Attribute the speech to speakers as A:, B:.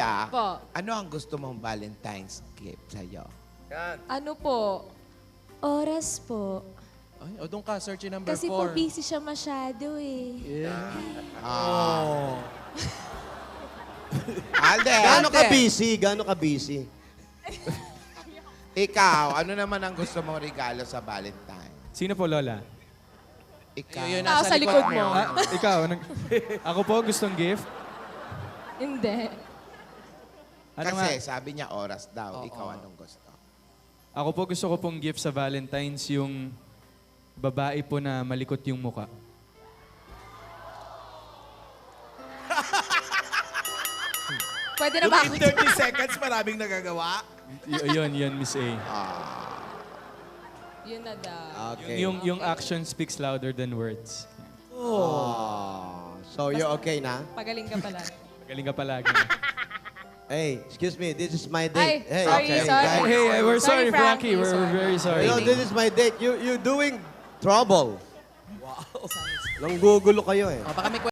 A: Rhea,
B: Po.
A: ano ang gusto mong Valentine's gift sa'yo?
B: Ano po? Oras po.
C: Ay, o doon ka, search yung number 4.
B: Kasi po busy siya masyado eh.
A: Alden,
D: Gaano ka busy? Gaano ka busy?
A: ikaw, ano naman ang gusto mong regalo sa Valentine?
E: Sino po, Lola?
A: Ikaw.
C: Yun,
B: Tao sa likod mo.
E: Ikaw? Ako po, gustong gift?
B: Hindi.
E: Ano
A: Kasi
E: nga?
A: sabi niya oras daw. Ikaw anong gusto?
E: Ako po gusto ko pong gift sa Valentine's yung babae po na malikot yung muka.
B: Pwede na ba ako?
C: In 30 seconds, maraming nagagawa.
E: Yun, Miss A.
B: Yun na daw.
D: Okay.
E: Yung action speaks louder than words.
D: So, you're okay na?
B: Pagaling ka pala.
E: Galing ka palagi.
D: Hey, excuse me. This is my
B: Ay,
D: date. Hey,
B: sorry,
D: okay,
B: sorry.
D: guys.
E: Hey, we're sorry,
B: Sorry,
E: Frankie.
B: Frankie.
E: We're
B: Sorry.
E: very sorry.
D: You know, this is my date. You're doing trouble. Wow. Nanggugulo kayo eh.
C: Baka may